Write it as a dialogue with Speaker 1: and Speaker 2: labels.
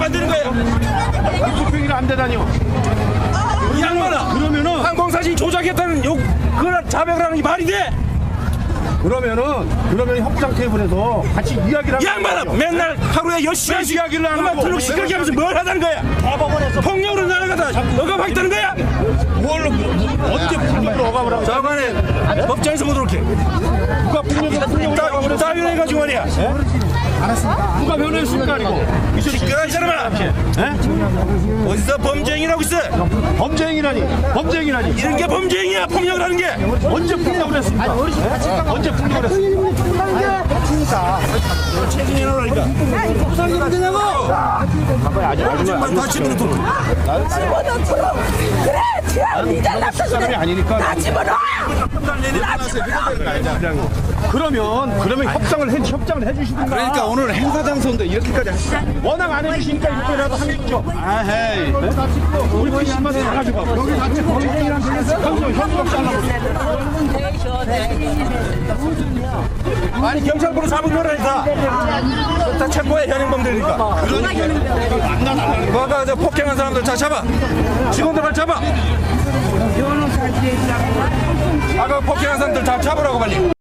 Speaker 1: 안 되는 거야?
Speaker 2: 투표기를 안 되다니요.
Speaker 1: 이 양반아,
Speaker 2: 그러면은
Speaker 1: 항공사진 조작했다는 그런 자백을 하는 게 말이 돼?
Speaker 2: 그러면 협상 테이블에서 같이 이야기를
Speaker 1: 이 양반아, 맨날 하루에 10시간씩
Speaker 2: 이야기를 안 하고
Speaker 1: 블록 시끄럽게 하면서 뭘 하자는 거야?
Speaker 2: 대법원에서
Speaker 1: 폭력으로 날아가다 억압하겠다는 거야?
Speaker 2: 뭘로 언제 폭력으로 억압을 하고
Speaker 1: 저간에 법정에서 보도록 해.
Speaker 2: 누가 폭력으로
Speaker 1: 따위로 해가지고 말이야.
Speaker 2: 누가 변호했습니까? 이거
Speaker 1: 시끄러워 이 사람아. 어디서 범죄행위라고 있어?
Speaker 2: 범죄행위라니
Speaker 1: 이런 게 범죄행위야. 폭력을 하는 게.
Speaker 2: 언제 폭력을 했습니까? 언제 폭력을 했습니까?
Speaker 1: 책임이 나라니까.
Speaker 3: 무슨 되냐고?
Speaker 1: 다 집어넣고.
Speaker 3: 그래, 지금 니들 나서
Speaker 2: 사람이 아니니까
Speaker 3: 다 집어넣어.
Speaker 2: 그러면 협상을 해주시든가.
Speaker 4: 그러니까 오늘 행사장 선도 이렇게까지 하시죠.
Speaker 2: 워낙 안 해주시니까 이렇게라도 하겠죠.
Speaker 4: 아헤이.
Speaker 2: 우리 거짓말 다 가지고 여기 같이 범죄이랑 현수막 잘라버려.
Speaker 1: 아니 경찰부로 잡은 거라니까. 다 체포해 현행범들이니까. 거기가 저 폭행한 사람들 다 잡아. 직원들 잡아. 아까 폭행한 사람들 다 잡으라고 빨리.